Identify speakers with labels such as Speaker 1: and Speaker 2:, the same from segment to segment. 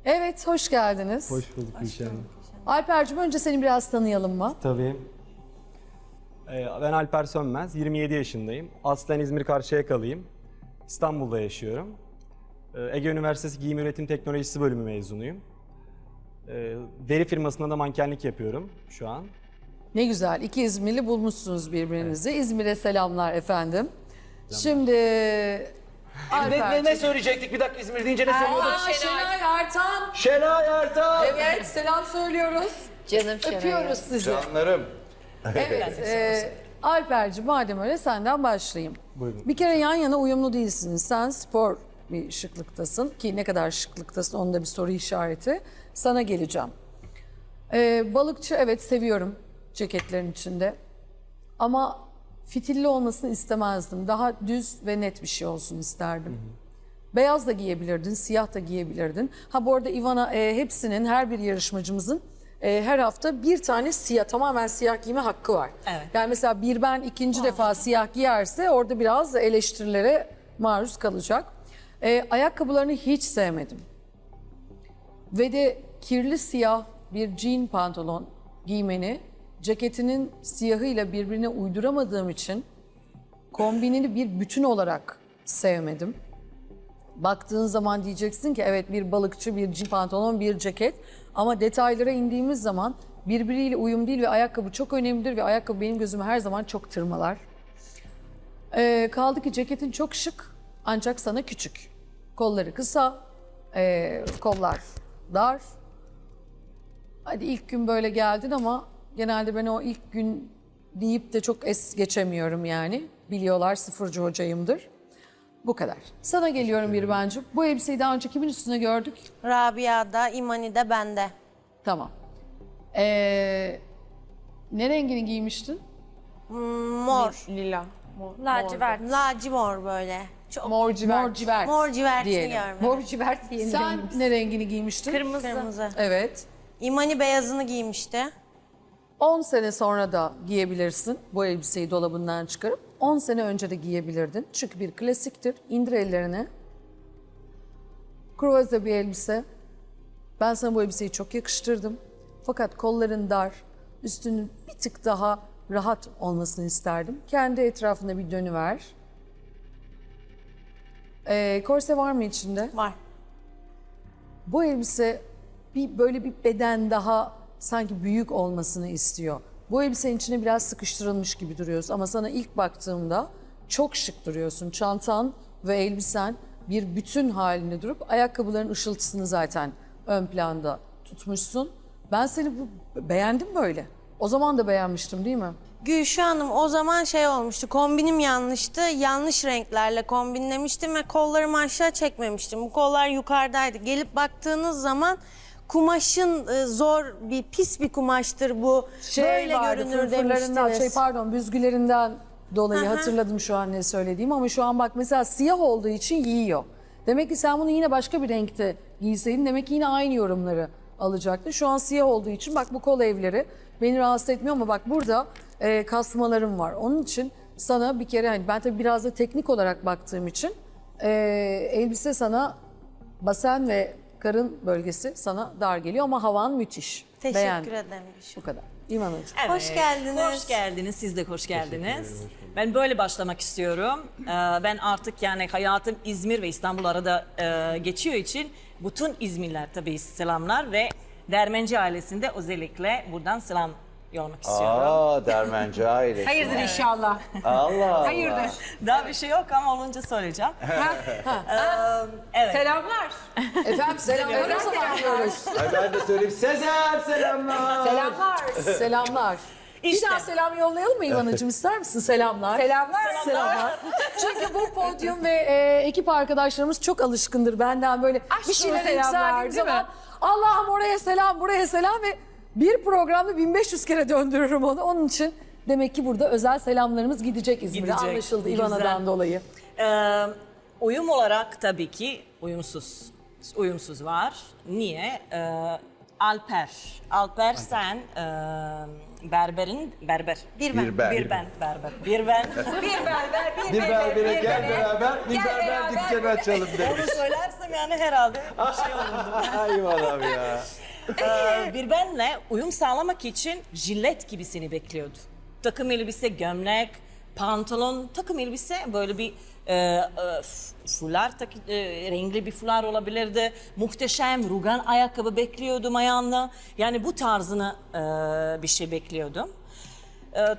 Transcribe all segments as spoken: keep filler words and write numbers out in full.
Speaker 1: Evet, hoş geldiniz.
Speaker 2: Hoş bulduk Gülşen Hanım.
Speaker 1: Alper'cim önce seni biraz tanıyalım mı?
Speaker 2: Tabii. Ee, Ben Alper Sönmez, yirmi yedi yaşındayım. Aslen İzmir Karşıyaka'lıyım. İstanbul'da yaşıyorum. Ee, Ege Üniversitesi Giyim Üretim Teknolojisi bölümü mezunuyum. Ee, Deri firmasında da mankenlik yapıyorum şu an.
Speaker 1: Ne güzel, iki İzmirli bulmuşsunuz birbirinizi. İzmir'e selamlar efendim. Şimdi
Speaker 3: Ne, ne,
Speaker 1: Alper'cim.
Speaker 3: ne söyleyecektik bir dakika İzmir deyince ne söylüyorduk?
Speaker 1: Aa, Şenay Ertan.
Speaker 3: Şenay Ertan.
Speaker 1: Evet, selam söylüyoruz.
Speaker 4: Canım Şenay.
Speaker 1: Öpüyoruz sizi.
Speaker 3: Canlarım.
Speaker 1: Evet, e, Alper'cim madem öyle senden başlayayım.
Speaker 2: Buyurun.
Speaker 1: Bir kere yan yana uyumlu değilsiniz. Sen spor bir şıklıktasın ki ne kadar şıklıktasın onda bir soru işareti. Sana geleceğim. E, balıkçı evet seviyorum ceketlerin içinde. Ama fitilli olmasını istemezdim. Daha düz ve net bir şey olsun isterdim. Beyaz da giyebilirdin, siyah da giyebilirdin. Ha bu arada Ivana e, hepsinin, her bir yarışmacımızın e, her hafta bir tane siyah, tamamen siyah giyme hakkı var.
Speaker 4: Evet.
Speaker 1: Yani mesela bir ben ikinci defa siyah giyerse orada biraz eleştirilere maruz kalacak. E, ayakkabılarını hiç sevmedim. Ve de kirli siyah bir jean pantolon giymeni ceketinin siyahıyla birbirine uyduramadığım için kombinini bir bütün olarak sevmedim. Baktığın zaman diyeceksin ki evet bir balıkçı, bir jean pantolon, bir ceket. Ama detaylara indiğimiz zaman birbiriyle uyum değil ve ayakkabı çok önemlidir ve ayakkabı benim gözümü her zaman çok tırmalar. Ee, kaldı ki ceketin çok şık ancak sana küçük. Kolları kısa, ee, kollar dar. Hadi ilk gün böyle geldin ama genelde ben o ilk gün deyip de çok es geçemiyorum yani. Biliyorlar sıfırcı hocayımdır. Bu kadar. Sana geliyorum bir bence. Bu elbiseyi daha önce kimin üstüne gördük?
Speaker 4: Rabia'da, İmani'de, bende.
Speaker 1: Tamam. Ee, ne rengini giymiştin?
Speaker 4: Mor.
Speaker 5: Lila.
Speaker 4: Lacivert. Lacimor böyle. Çok
Speaker 1: Mor civert. Mor civert.
Speaker 4: mor civertini
Speaker 1: diyelim.
Speaker 4: görmedim.
Speaker 5: Mor civert yeni
Speaker 1: Sen
Speaker 5: rengimiz.
Speaker 1: ne rengini giymiştin?
Speaker 5: Kırmızı.
Speaker 4: Kırmızı.
Speaker 1: Evet.
Speaker 4: İmani beyazını giymişti.
Speaker 1: on sene sonra da giyebilirsin bu elbiseyi dolabından çıkarıp. on sene önce de giyebilirdin. Çünkü bir klasiktir. İndir ellerini. Kruvaze bir elbise. Ben sana bu elbiseyi çok yakıştırdım. Fakat kolların dar, üstünün bir tık daha rahat olmasını isterdim. Kendi etrafında bir dönüver. Ee, korse var mı içinde?
Speaker 4: Var.
Speaker 1: Bu elbise bir böyle bir beden daha sanki büyük olmasını istiyor. Bu elbisenin içine biraz sıkıştırılmış gibi duruyorsun ama sana ilk baktığımda çok şık duruyorsun. Çantan ve elbisen bir bütün halinde durup ayakkabıların ışıltısını zaten ön planda tutmuşsun. Ben seni bu, beğendim böyle. O zaman da beğenmiştim değil mi?
Speaker 4: Gülşah Hanım o zaman şey olmuştu, kombinim yanlıştı. Yanlış renklerle kombinlemiştim ve kollarımı aşağı çekmemiştim. Bu kollar yukarıdaydı. Gelip baktığınız zaman kumaşın e, zor bir, pis bir kumaştır bu. Böyle görünür
Speaker 1: fırfırlarından,
Speaker 4: demiştiniz.
Speaker 1: şey pardon büzgülerinden dolayı
Speaker 4: Hı hı.
Speaker 1: hatırladım şu an ne söylediğim ama şu an bak mesela siyah olduğu için yiyor. Demek ki sen bunu yine başka bir renkte giyseydin demek ki yine aynı yorumları alacaktın. Şu an siyah olduğu için bak bu kol evleri beni rahatsız etmiyor ama bak burada e, kasmalarım var. Onun için sana bir kere hani ben tabii biraz da teknik olarak baktığım için e, elbise sana basen ve karın bölgesi sana dar geliyor ama havan müthiş.
Speaker 4: Teşekkür
Speaker 1: Beğendim.
Speaker 4: ederim Gülşah.
Speaker 1: Bu kadar. İmanacığım.
Speaker 6: Evet,
Speaker 4: Hoş geldiniz.
Speaker 6: Hoş geldiniz. Siz de hoş geldiniz. Ben böyle başlamak istiyorum. Ee, Ben artık yani hayatım İzmir ve İstanbul arada e, geçiyor için bütün İzmirliler tabii selamlar ve Dermenci ailesinde özellikle buradan selam yollamak istiyorum.
Speaker 3: Aa Dermenci ailesi.
Speaker 5: Hayırdır inşallah.
Speaker 3: Allah Allah.
Speaker 5: Hayırdır.
Speaker 6: Daha bir şey yok ama olunca söyleyeceğim. Ee, evet.
Speaker 5: Selamlar.
Speaker 1: Efendim selamlar. Selamlıyoruz.
Speaker 3: Ay ben de söyleyeyim. Sezer selamlar.
Speaker 5: Selamlar.
Speaker 1: Selamlar.
Speaker 6: İşte.
Speaker 1: Bir daha selam yollayalım mı İvan'cığım ister misin? Selamlar.
Speaker 5: Selamlar.
Speaker 1: Selamlar. Çünkü bu podyum ve e, ekip arkadaşlarımız çok alışkındır benden böyle
Speaker 5: Aşkına
Speaker 1: bir şeyler
Speaker 5: selamlar,
Speaker 1: yükseldiğim
Speaker 5: değil mi?
Speaker 1: zaman Allah'ım oraya selam buraya selam ve bir programda bin beş yüz kere döndürürüm onu. Onun için demek ki burada özel selamlarımız gidecek İzmir'e
Speaker 6: Gidecek.
Speaker 1: anlaşıldı
Speaker 6: Güzel.
Speaker 1: İvan'dan dolayı.
Speaker 6: Ee, uyum olarak tabii ki uyumsuz. Uyumsuz var. Niye? Ee, Alper. Alper sen e, berberin berber.
Speaker 4: Bir ben.
Speaker 3: Bir ben.
Speaker 6: Bir ben berber. Bir ben. bir berber, bir,
Speaker 3: Bir
Speaker 6: berber,
Speaker 3: berbere
Speaker 6: bir
Speaker 3: gel
Speaker 6: berber.
Speaker 3: beraber, bir
Speaker 6: Gel
Speaker 3: berber
Speaker 6: beraber,
Speaker 3: dükkanı
Speaker 6: bir-
Speaker 3: açalım demiş.
Speaker 6: Onu söylersem yani herhalde bir şey olurdu.
Speaker 3: Ay adam ya.
Speaker 6: Ee, bir benle uyum sağlamak için jilet gibisini bekliyordu. Takım elbise, gömlek, pantolon, takım elbise böyle bir e, e, f- fular, tak, e, renkli bir fular olabilirdi. Muhteşem rugan ayakkabı bekliyordum ayağında. Yani bu tarzını e, bir şey bekliyordum. E,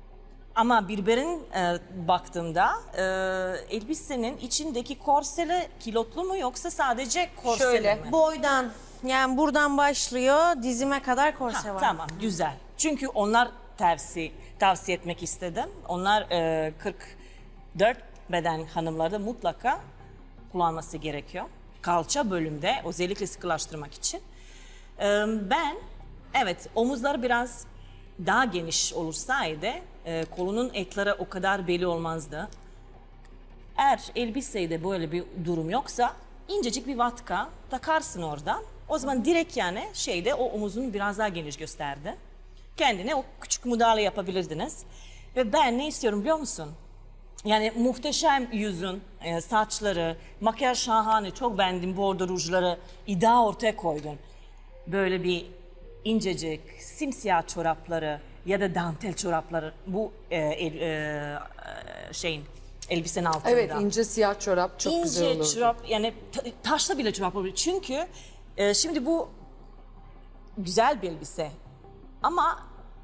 Speaker 6: Ama birbirin e, baktığımda e, elbisenin içindeki korseli kilotlu mu yoksa sadece korseli
Speaker 1: Şöyle,
Speaker 6: mi?
Speaker 4: Boydan yani buradan başlıyor dizime kadar korse
Speaker 6: Ha,
Speaker 4: var.
Speaker 6: tamam, güzel. Çünkü onlar tavsiye tavsiye etmek istedim. Onlar e, kırk dört beden hanımlarda mutlaka kullanması gerekiyor. Kalça bölümde özellikle sıkılaştırmak için. E, ben evet omuzlar biraz daha geniş olursaydı e, kolunun etleri o kadar belli olmazdı. Eğer elbisede böyle bir durum yoksa incecik bir vatka takarsın oradan. O zaman direkt yani şeyde o omuzun biraz daha geniş gösterdi. Kendine o küçük müdahale yapabilirdiniz. Ve ben ne istiyorum biliyor musun? Yani muhteşem yüzün, e, saçları, makyaj şahane, çok beğendim bordo rujları, iddia ortaya koydun. Böyle bir incecik, simsiyah çorapları ya da dantel çorapları bu e, el, e, şeyin elbisenin altında.
Speaker 1: Evet, ince siyah çorap çok
Speaker 6: İnce
Speaker 1: güzel olurdu.
Speaker 6: çorap yani ta- taşla bile çorap olabilir. Çünkü e, şimdi bu güzel bir elbise ama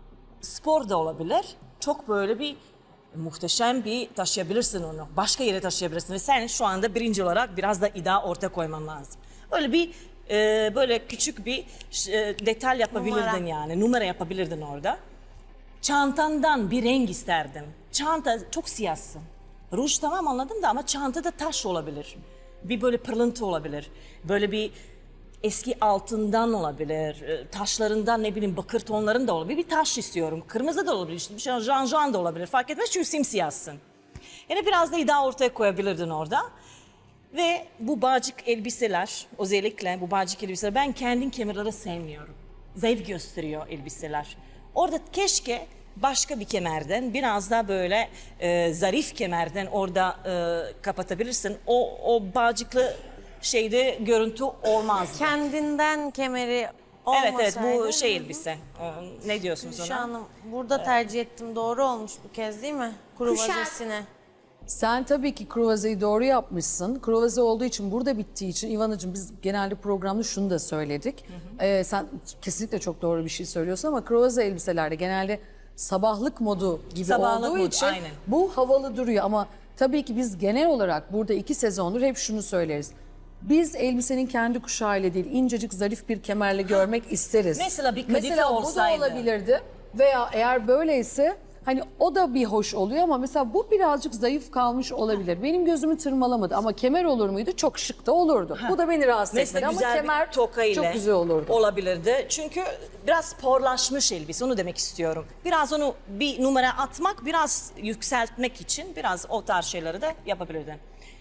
Speaker 6: spor da olabilir. Çok böyle bir muhteşem bir taşıyabilirsin onu. Başka yere taşıyabilirsin ve sen şu anda birinci olarak biraz da iddia ortaya koyman lazım. Öyle bir e, böyle küçük bir e, detay yapabilirdin
Speaker 4: Numara.
Speaker 6: yani. Numara yapabilirdin orada. Çantandan bir renk isterdim. Çanta çok siyahsın. Ruj tamam anladım da ama çantada taş olabilir. Bir böyle pırlıntı olabilir. Böyle bir eski altından olabilir. e, Taşlarından ne bileyim bakır tonların da olabilir. Bir taş istiyorum. Kırmızı da olabilir. İşte bir şey janjan da olabilir. Fark etmez çünkü simsiyahsın. Yani biraz da iddia ortaya koyabilirdin orada. Ve bu bağcık elbiseler, özellikle bu bağcık elbiseler ben kendim kemerleri sevmiyorum. Zayıf gösteriyor elbiseler. Orada keşke başka bir kemerden, biraz daha böyle e, zarif kemerden orada e, kapatabilirsin. O, o bağcıklı şeyde görüntü olmaz.
Speaker 4: Kendinden kemeri
Speaker 6: Evet
Speaker 4: olmasaydı.
Speaker 6: evet bu şey elbise. Ee, Ne diyorsunuz
Speaker 4: Şu
Speaker 6: ona?
Speaker 4: an burada tercih ettim. Doğru olmuş bu kez değil mi? Kuru
Speaker 5: Kuşak.
Speaker 4: vazesine.
Speaker 1: Sen tabii ki kruvazeyi doğru yapmışsın. Kruvaze olduğu için, burada bittiği için İvan'cığım biz genelde programda şunu da söyledik. Ee, sen kesinlikle çok doğru bir şey söylüyorsun ama kruvaze elbiselerde genelde sabahlık modu gibi
Speaker 6: Sabahlık
Speaker 1: olduğu
Speaker 6: modu,
Speaker 1: için
Speaker 6: aynen.
Speaker 1: bu havalı duruyor ama tabii ki biz genel olarak burada iki sezondur hep şunu söyleriz. Biz elbisenin kendi kuşağıyla değil, incecik zarif bir kemerle görmek isteriz.
Speaker 6: Mesela bir kadife
Speaker 1: Mesela
Speaker 6: olsaydı.
Speaker 1: bu da olabilirdi veya eğer böyleyse hani o da bir hoş oluyor ama mesela bu birazcık zayıf kalmış olabilir. Benim gözümü tırmalamadı ama kemer olur muydu? Çok şık da olurdu. Bu da beni rahatsız
Speaker 6: Mesela
Speaker 1: etmedi ama
Speaker 6: güzel
Speaker 1: kemer
Speaker 6: bir toka ile
Speaker 1: çok güzel olurdu.
Speaker 6: olabilirdi. Çünkü biraz sporlaşmış elbise onu demek istiyorum. Biraz onu bir numara atmak, biraz yükseltmek için biraz o tarz şeyleri de yapabilirdin.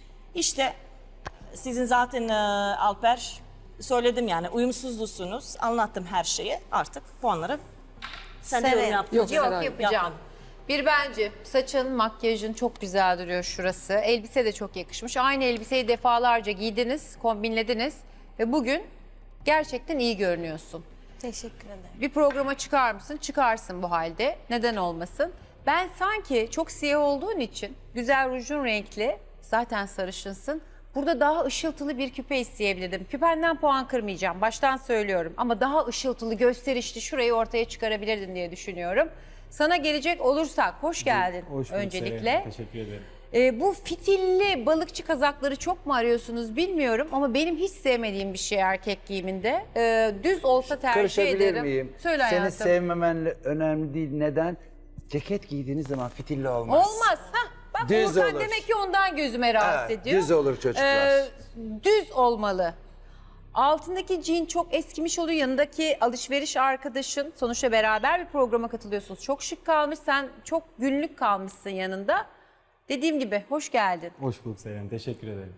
Speaker 6: İşte sizin zaten e, Alper söyledim yani uyumsuzlusunuz. Anlattım her şeyi. Artık puanları sen de
Speaker 4: Seren.
Speaker 6: yorum yaptın.
Speaker 1: Yok,
Speaker 5: Yok
Speaker 1: Seray.
Speaker 5: yapacağım.
Speaker 6: Yapmadım.
Speaker 5: Bir bence saçın, makyajın çok güzel duruyor şurası. Elbise de çok yakışmış. Aynı elbiseyi defalarca giydiniz, kombinlediniz ve bugün gerçekten iyi görünüyorsun.
Speaker 4: Teşekkür ederim.
Speaker 5: Bir programa çıkar mısın? Çıkarsın bu halde. Neden olmasın? Ben sanki çok siyah olduğun için güzel rujun renkli, zaten sarışınsın. Burada daha ışıltılı bir küpe isteyebilirdim. Küpenden puan kırmayacağım, baştan söylüyorum. Ama daha ışıltılı, gösterişli şurayı ortaya çıkarabilirdin diye düşünüyorum. Sana gelecek olursak, hoş geldin
Speaker 2: Hoş bulduk
Speaker 5: öncelikle.
Speaker 2: Seren, Teşekkür ederim.
Speaker 5: Ee, bu fitilli balıkçı kazakları çok mu arıyorsunuz bilmiyorum ama benim hiç sevmediğim bir şey erkek giyiminde. Ee, düz olsa tercih
Speaker 3: Karışabilir
Speaker 5: ederim.
Speaker 3: miyim?
Speaker 5: Söyle
Speaker 3: Seni
Speaker 5: hayatım.
Speaker 3: sevmemen önemli değil. Neden? Ceket giydiğiniz zaman fitilli olmaz.
Speaker 5: Olmaz. Hah, bak
Speaker 3: Düz
Speaker 5: Volkan
Speaker 3: olur.
Speaker 5: demek ki ondan gözüme rahatsız
Speaker 3: Evet,
Speaker 5: ediyor.
Speaker 3: düz olur çocuklar.
Speaker 5: Ee, düz olmalı. Altındaki jean çok eskimiş oluyor. Yanındaki alışveriş arkadaşın, sonuçta beraber bir programa katılıyorsunuz. Çok şık kalmış. Sen çok günlük kalmışsın yanında. Dediğim gibi hoş geldin.
Speaker 2: Hoş bulduk Seren. Teşekkür ederim.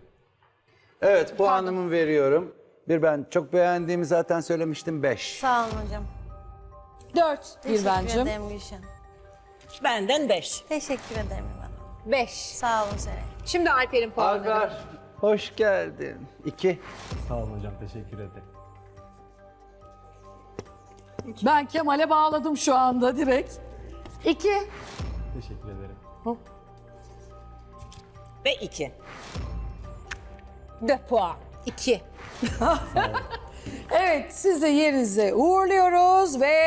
Speaker 3: Evet, puanımı veriyorum. Bir ben çok beğendiğimi zaten söylemiştim. Beş.
Speaker 4: Sağ olun hocam.
Speaker 1: Dört
Speaker 4: Teşekkür
Speaker 1: Gülbencim.
Speaker 4: ederim Gülşen.
Speaker 6: Benden beş.
Speaker 4: Teşekkür ederim İvan.
Speaker 5: Beş.
Speaker 4: Sağ olun Seray.
Speaker 5: Şimdi Alper'in puanları.
Speaker 3: Alper, hoş geldin. İki.
Speaker 2: Sağ olun hocam, teşekkür ederim.
Speaker 1: Ben Kemal'e bağladım şu anda direkt. İki.
Speaker 2: Teşekkür ederim.
Speaker 6: Ve iki.
Speaker 5: Dört puan. İki.
Speaker 1: Evet, sizi yerinize uğurluyoruz ve